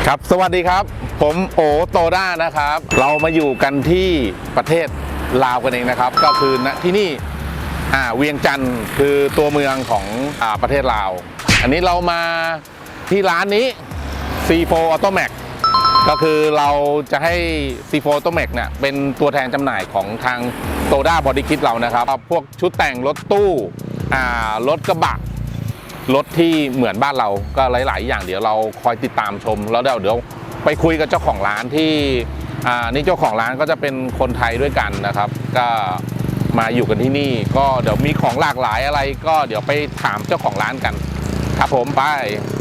ครับสวัสดีครับผมโอโตด้านะครับเรามาอยู่กันที่ประเทศลาวกันเองนะครับก็คือณที่นี่เวียงจันทร์คือตัวเมืองของประเทศลาวอันนี้เรามาที่ร้านนี้ C4 Automax ก็คือเราจะให้ C4 Automax เนี่ยเป็นตัวแทนจำหน่ายของทางโตด้าบอดี้คิทเรานะครับพวกชุดแต่งรถตู้รถกระบะรถที่เหมือนบ้านเราก็หลายๆอย่างเดี๋ยวเราคอยติดตามชมแล้วเดี๋ยวไปคุยกับเจ้าของร้านที่นี่เจ้าของร้านก็จะเป็นคนไทยด้วยกันนะครับก็มาอยู่กันที่นี่ก็เดี๋ยวมีของหลากหลายอะไรก็เดี๋ยวไปถามเจ้าของร้านกันครับผมไป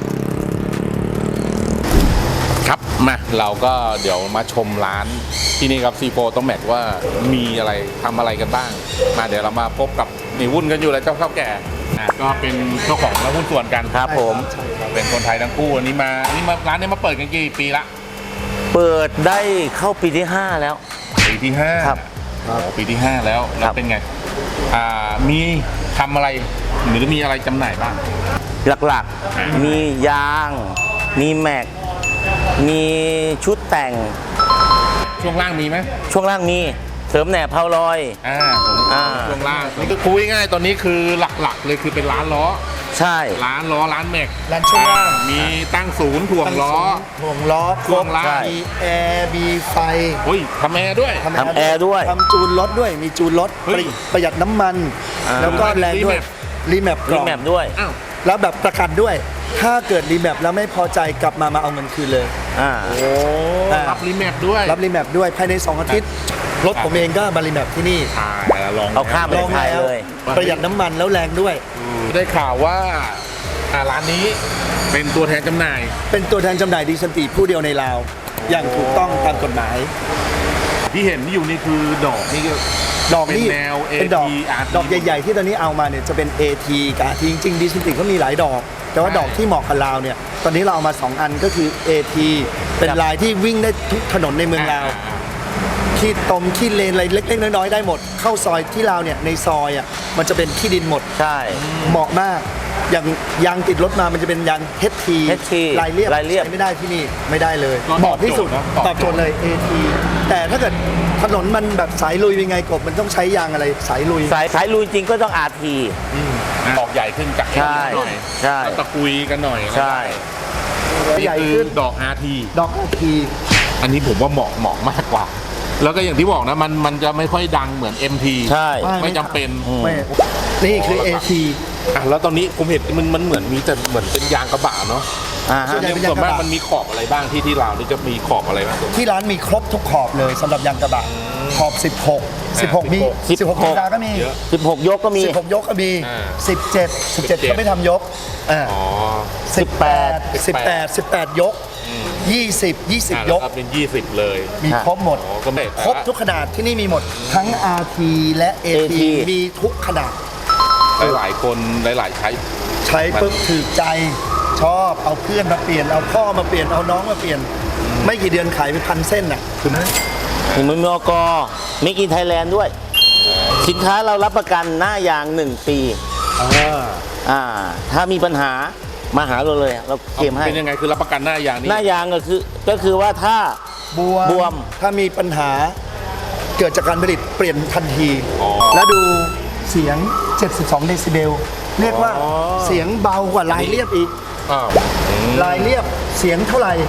ครับมาเราก็เดี๋ยวมาชมร้านที่นี่ครับ C4 Automax ว่ามีอะไรทำอะไรกันบ้างมาเดี๋ยวเรามาพบกับนี่วุ่นกันอยู่แล้วเจ้าเฒ่าแก่ก็เป็นเจ้าของและหุ้นส่วนกันครับผมเป็นคนไทยทั้งคู่วันนี้มาร้านนี้มาเปิดกันกี่ปีละเปิดได้เข้าปีที่5แล้วปีที่5ครับปีที่5แล้วเป็นไงมีทำอะไรหรือมีอะไรจำหน่ายบ้างหลักๆมียางมีแม็กมีชุดแต่งช่วงล่างมีไหมช่วงล่างมีเสริมแหนบเพาลอยช่วงล่างนี่ก็คุยง่ายตอนนี้คือหลักๆเลยคือเป็นร้านล้อใช่ร้านล้อร้านแม็กร้านช่วงล่างมีตั้งศูนย์ถ่วงล้อช่วงล่างมีแอร์มีไฟทำแอร์ด้วยทำแอร์ด้วยทำจูนรถด้วยมีจูนรถประหยัดน้ำมันแล้วก็แรงด้วยรีแมปด้วยแล้วแบบประกันด้วยถ้าเกิดรีแมปแล้วไม่พอใจกลับมาเอาเงินคืนเลยรับรีแมปด้วยภายใน2 อาทิตย์รถผมเองก็มารีแมปที่นี่ลองเอาข้ามไปไทยเลยประหยัดน้ำมันแล้วแรงด้วยได้ข่าวว่าร้านนี้เป็นตัวแทนจำหน่ายดีสันติผู้เดียวในลาวอย่างถูกต้องตามกฎหมายที่เห็นที่อยู่นี่คือดอกนี่นี่เป็นดอกใหญ่ๆที่ตอนนี้เอามาเนี่ยจะเป็น AT กับ RT จริงๆดีสันติก็มีหลายดอกแต่ว่าดอกที่เหมาะกับลาวเนี่ยตอนนี้เราเอามา2 อันก็คือ AT เป็นลายที่วิ่งได้ทุกถนนในเมืองลาวขี้เลนอะไรเล็กๆน้อยๆได้หมดเข้าซอยที่ลาวเนี่ยในซอยมันจะเป็นขี้ดินหมดใช่เหมาะมากอย่างยางติดรถมามันจะเป็นยาง HT ลายเรียบใช้ไม่ได้ที่นี่ไม่ได้เลยเหมาะที่สุดตอบโจทย์เลย AT แต่ถ้าเกิดถนนมันแบบสายลุยเป็นไงกบมันต้องใช้ยางอะไรสายลุยจริงก็ต้อง RT ดอกใหญ่ขึ้นจากหน่อยใช่ตะคุยกันหน่อยใช่ใหญ่ขึ้นดอก RT อันนี้ผมว่าเหมาะมากกว่าแล้วก็อย่างที่บอกนะมันจะไม่ค่อยดังเหมือน MT ใช่ไม่จำเป็นนี่คือ AT แล้วตอนนี้ผมเห็นมันเหมือนมีแต่เหมือนเป็นยางกระบะเนาะส่วนมากมันมีขอบอะไรบ้างที่เรานี่จะมีขอบอะไรบ้างที่ร้านมีครบทุกขอบเลยสำหรับยางกระบะขอบ16มี16ธรรมดาก็มี 16ยกก็มี 17ก็ไม่ทำยก18ยก20ยกเป็น20เลยมีครบหมดครบทุกขนาดที่นี่มีหมดทั้ง RT และ AT มีทุกขนาดหลายคนหลายใช้ปึ๊บถือใจชอบเอาเพื่อนมาเปลี่ยนเอาพ่อมาเปลี่ยนเอาน้องมาเปลี่ยนไม่กี่เดือนขายไป1,000 เส้นถึงมือมกมิกอินไทยแลนด์ด้วยสินค้าเรารับประกันหน้ายาง1 ปีถ้ามีปัญหามาหาเราเลยเราเคลมให้เป็นยังไงคือรับประกันหน้ายางนี่หน้ายางก็คือว่าถ้าบวมถ้ามีปัญหาเกิดจากการผลิตเปลี่ยนทันทีแล้วดูเสียง72 เดซิเบลเรียกว่าเสียงเบากว่าลายเรียบอีกลายเรียบเสียงเท่าไหร่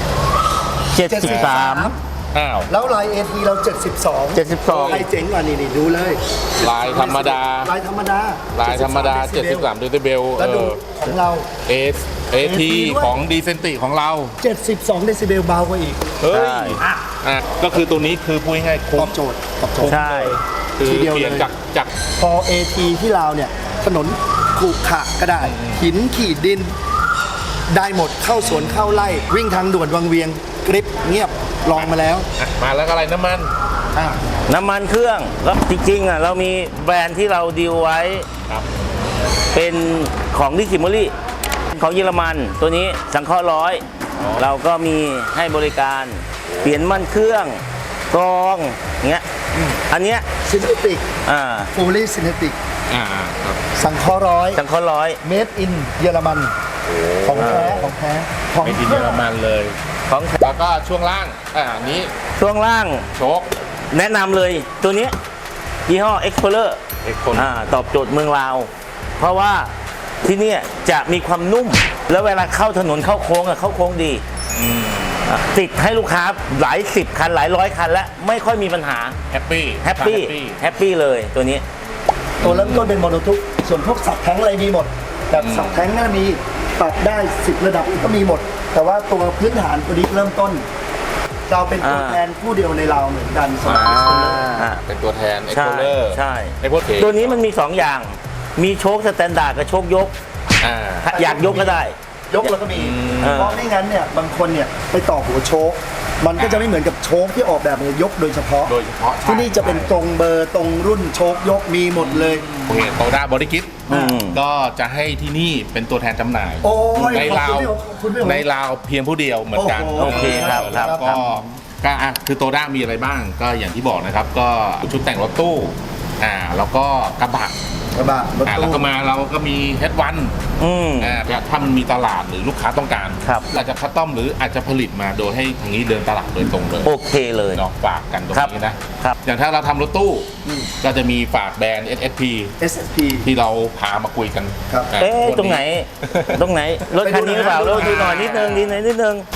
73 แล้วลาย AT เรา72ใครเจ๋งกว่านี่ดูเลยลายธรรมดา73 เดซิเบลแล้วดูของเรา AT ของดีเซนติของเรา 72 เดซิเบลเบากว่าอีกก็คือตัวนี้คือพูดง่ายๆตอบโจทย์ใช่คือเปลี่ยนจากพอ AT ที่ลาวเนี่ยถนนขรุขระก็ได้หินขีดดินได้หมดเข้าสวนเข้าไร่วิ่งทางด่วนวังเวียงกริบเงียบลองมาแล้วมาแล้วอะไรน้ำมันเครื่องแล้วจริงๆเรามีแบรนด์ที่เราดีลไว้เป็นของดิคิมอรี่ของเยอรมันตัวนี้สังเคราะห์100เราก็มีให้บริการเปลี่ยนมันเครื่องกรองเงี้ยอันเนี้ยซินเทติกฟูลี่ซินเทติกสังเคราะห์100 เมดอินเยอรมันของแท้ของแท้ของไม่กินเยอรมันเลยของแล้วก็ช่วงล่างอันนี้ช่วงล่างโชคแนะนำเลยตัวนี้ยี่ห้อ Explorer เอ็กโคนตอบโจทย์เมืองลาว เพราะว่าที่เนี่ยจะมีความนุ่ม แล้วเวลาเข้าถนนเข้าโค้งเข้าโค้งดีติดให้ลูกค้าหลายสิบคันหลายร้อยคันแล้วไม่ค่อยมีปัญหาแฮปปี้แฮปปี้เลยตัวนี้ตัวเริ่มต้นเป็นโมโนทุกส่วนพวกสับแท้งอะไรมีหมดแบบสับแท้งน่ามีปรับได้10ระดับก็มีหมด แต่ว่าตัวพื้นฐานตัวนี้เริ่มต้น เราเป็นตัวแทนผู้เดียวในเราเหมือนกันสำหรับเป็นตัวแทนเอ็กใช่โคเลอร์ใช่ไอ้พวกเทตัวนี้มันมี 2 อย่าง มีโชคสแตนดาร์ดกับโชคยก อยากยกก็ได้ยกแล้วก็มีอ่าเพราะไม่งั้นเนี่ยบางคนเนี่ยไปต่อหัวโชคมันก็จะไม่เหมือนกับโชคที่ออกแบบมายกโดยเฉพาะโดยเฉพาะที่นี่จะเป็นตรงเบอร์ตรงรุ่นโชคยกมีหมดเลยโอเคโตด้าบริกิตอืมก็จะให้ที่นี่เป็นตัวแทนจำหน่ายโอ้ยในลาวขอบคุณพี่โอ๋ในลาวเพียงผู้เดียวเหมือนกันโอ้โหโอเคครับแล้วก็คือโตด้ามีอะไรบ้างก็อย่างที่บอกนะครับ ก็ชุดแต่งรถตู้แล้วก็กระบะกระบะรถแล้วตู้ก็มาเราก็มีเฮดวันอืมถ้ามันมีตลาดหรือลูกค้าต้องการครับอาจจะคัสตอมหรืออาจจะผลิตมาโดยให้ทางนี้เดินตลาดโดยตรงเลยโอเคเลยเนาะฝากกันตรงครับนี้นะครับ อย่างถ้าเราทำรถตู้ก็จะมีฝากแบรนด์ SSP SSP ที่เราพามาคุยกันครับตรงไหน ตรงไหน รถคันนี้หรือเปล่าไปดูเราดูหน่อยนิดนึงนิดนึง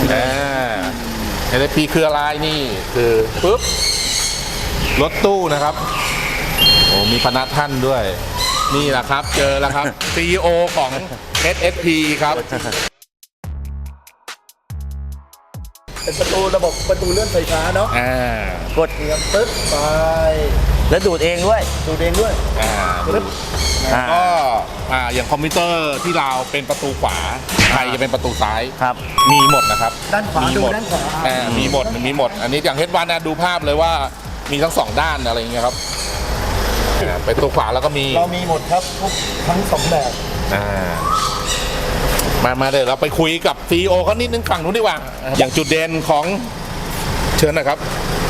SSP คืออะไรนี่คือปุ๊บรถตู้นะครับโอ้มีพนักท่านด้วย นี่แหละครับ เจอแล้วครับ CEO ของ SSP ครับเป็นประตูระบบประตูเลื่อนไฟฟ้าเนาะกดเนียปึ๊บไปแล้วดูดเองด้วยดูเองด้วยปึ๊บอ่าก็อย่างคอมพิวเตอร์ที่เราเป็นประตูขวาไทยจะเป็นประตูซ้ายครับมีหมดนะครับด้านขวามีดูหมดด้านขวามีหมดมีหมด อันนี้อย่างเฮดวันนะดูภาพเลยว่ามีทั้งสองด้านอะไรอย่างเงี้ยครับเป็นตัวขวาแล้วก็มีเรามีหมดครับทุกทั้งสองแบบมาเดี๋ยวเราไปคุยกับ CEO เขานิดนึงฝั่งนู้นดีกว่า อย่างจุดเด่นของเชิญหนะครับ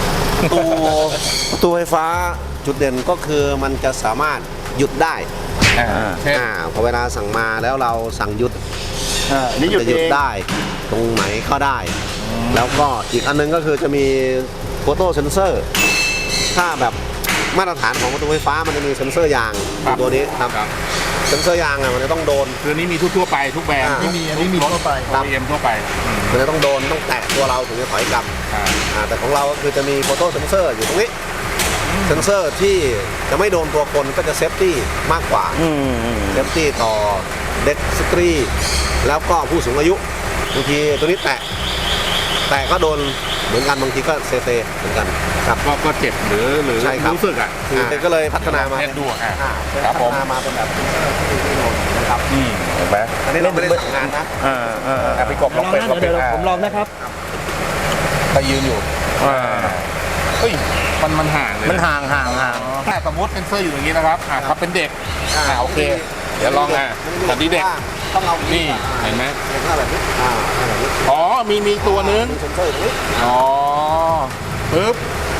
ประตูไฟฟ้าจุดเด่นก็คือมันจะสามารถหยุดได้เช่นพอเวลาสั่งมาแล้วเราสั่งหยุดนี่หยุดจะหยุดเองได้ตรงไหนก็ได้ แล้วก็อีกอันนึงก็คือจะมีโฟโต้เซนเซอร์ถ้าแบบมาตรฐานของประตูไฟฟ้ามันจะมีเซนเซอร์ยางอยู่ตัวนี้ครับเซนเซอร์ยางมันจะต้องโดนคือนี้มีทั่วๆไปทุกแบรนด์ไม่มีอันนี้มีทั่วไปครับ OEM ทั่วไปมันจะต้องโดนต้องแตะตัวเราถึงจะถอยกลับ แต่ของเราก็คือจะมีโฟโต้เซนเซอร์อยู่ตรงนี้เซนเซอร์ที่จะไม่โดนตัวคนก็จะเซฟตี้มากกว่า เซฟตี้ต่อเด็กสตรี แล้วก็ผู้สูงอายุบางทีตัวนี้แตะก็โดนเหมือนกันบางทีก็เซเหมือนกันครับก็เจ็บหรือใช่ครับรู้สึกคือก็เลยพัฒนามาเทสดูคพัรับฒผมนามาเป็นแบบที่โดนนะครับเห็นไหมอันนี้เราไม่ได้สั่งงานนะพี่กบลองเป็นเดี๋ยวผมลองนะครับไปยืนอยู่เฮ้ยมันห่างเลยมันห่างถ้าสมมติเป็นเซอร์อยู่อย่างนี้นะครับครับเป็นเด็กโอเค เดี๋ยวลองตอนนี้เด็กต้องเอานี่เห็นไหมแบบนี้แบบนี้อ๋อมีตัวนึงมีเซนเซอร์ตรงนี้อ๋อปึ๊บ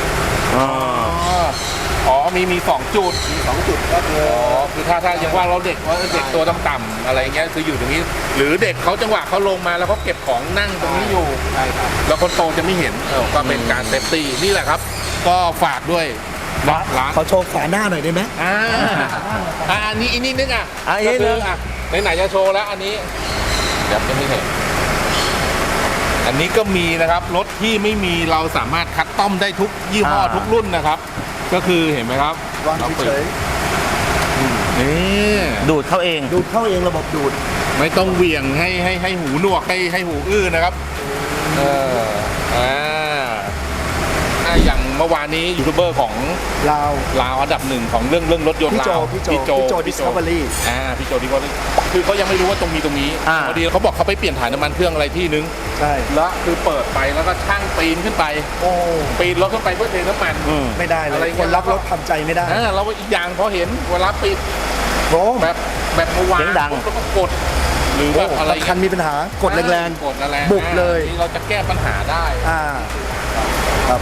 อ๋อมี2จุด 2 จุดก็คือคือถ้ายังว่าเราเด็กตัวต่ำๆอะไรเงี้ยคืออยู่ตรงนี้ หรือเด็กเขาจังหวะเขาลงมาแล้วเขาเก็บของนั่งตรงนี้อยู่ใช่ครับแล้วคนโตจะไม่เห็นก็เป็นการเซฟตี้นี่แหละครับ ก็ฝากด้วยร้านขอโชว์ฝาหน้าหน่อยได้ไหมอันนี้อีกนิดนึงอ่ะอีกนิดนึงไหนๆจะโชว์แล้วอันนี้เดี๋ยวจะไม่เห็นอันนี้ก็มีนะครับรถที่ไม่มีเราสามารถคัสตอมได้ทุกยี่ห้อทุกรุ่นนะครับ ก็คือเห็นไหมครับวางเฉยนี่ดูดเข้าเองๆดูดเข้าเองระบบดูดไม่ต้องเหวี่ยงให้หูหนวกให้หูอื้อนะครับอย่างเมื่อวานนี้ยูทูบเบอร์ของลาวลาวอันดับหนึ่งของเรื่องรถยนต์พี่โจลาวพี่โจ Discovery พี่โจDiscovery คือเขายังไม่รู้ว่าตรงนี้อ่าพอดีเขาบอกเขาไปเปลี่ยนถ่ายน้ำมันเครื่องอะไรที่นึงใช่แล้วคือเปิดไปแล้วก็ช่างปีนขึ้นไปโอ้ปีนรถขึ้นไปเพื่อเทน้ำมันไม่ได้เลอะไรยเงี้ยคนรักรถทำใจไม่ได้เราอีกอย่างพอเห็นเวลาปิดโอ้แบบเมื่อวานเสียงดังแล้วก็กด หรือแบบอะไรคันมีปัญหากดแรงกดแรงบุกเลยนี่เราจะแก้ปัญหาได้ครับ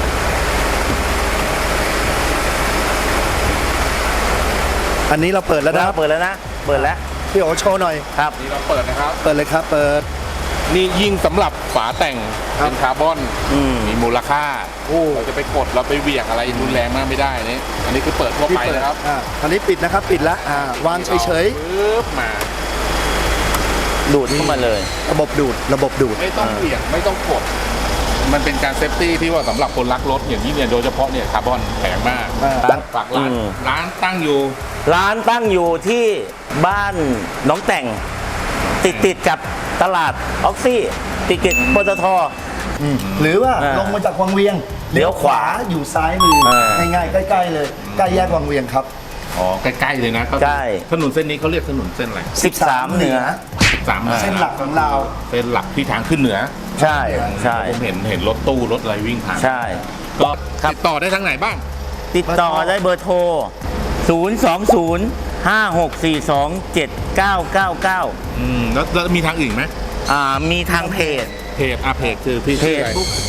อันนี้เราเปิดแล้วนะเปิดแล้วนะ เปิดแล้วพี่โอโชว์หน่อยครับนี่เราเปิดนะครับเปิดเลยครับ เปิดนี่ยิ่งสำหรับฝาแต่งครับเป็นคาร์บอนอืมมีมูลค่าโอ้เราจะไปกดเราไปเหวี่ยงอะไรรุนแรงมากไม่ได้นี่อันนี้คือเปิดทั่วพี่ไปเปิดนะครับอันนี้ปิดนะครับ ปิดละวางเฉยปึ๊บมาดูดเข้ามาเลยๆ ระบบดูด ระบบดูดไม่ต้องเหวี่ยงไม่ต้องกด มันเป็นการเซฟตี้ที่ว่าสำหรับคนรักรถอย่างนี้เนี่ยโดยเฉพาะเนี่ยคาร์บอนแพงมากร้านฝากร้านอืมร้านตั้งอยู่ร้านตั้งอยู่ที่บ้านหนองแต่ง ติดกับตลาดออกซี่ติดกับปตทหรือว่าอ่าลงมาจากวังเวียงเลี้ยวขวาอยู่ซ้ายมือ ง่ายๆ ใกล้ๆเลย ใกล้แยกวังเวียงครับอ๋อใกล้ๆเลยนะก็ใช่ถนนเส้นนี้เขาเรียกถนนเส้นอะไร 13 เหนือ 13 เส้นหลักของเราเส้นหลักที่ทางขึ้นเหนือใช่ใช่ผมเห็นรถตู้รถอะไรวิ่งผ่านใช่ก็ติดต่อได้ทางไหนบ้างติดต่อได้เบอร์โทร 020 5642 7999 แล้วมีทางอื่นไหมมีทางเพจเพจคือพี่ชื่ออะไร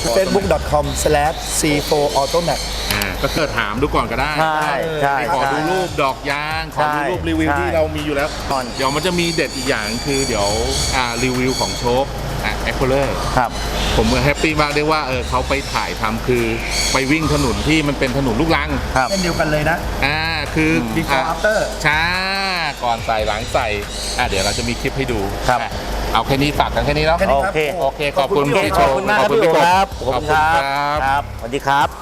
facebook.com/c4automat ก็เกิดถามดูก่อนก็ได้ใช่ใช่ขอดูใช่รูปดอกยางขอดูรูปใช่รีวิวใช่ที่เรามีอยู่แล้วก่อนเดี๋ยวมันจะมีเด็ดอีกอย่างคือเดี๋ยวรีวิวของโชคแอคโคเลอร์ครับผมแฮปปี้มากได้ว่าเขาไปถ่ายทำคือไปวิ่งถนนที่มันเป็นถนนลูกรังครับเช่นเดียวกันเลยนะคือ before after ช้าก่อนใส่หลังใส่เดี๋ยวเราจะมีคลิปให้ดูครับเอาแค่นี้ฝากกันแค่นี้เนาะแค่นี้โอเคโอเคขอบคุณโอเคพี่ขโชอบว์คุณมากครับขอบคุณพี่โอพี่กบครับขอบคุณครับครับ สวัสดีครับ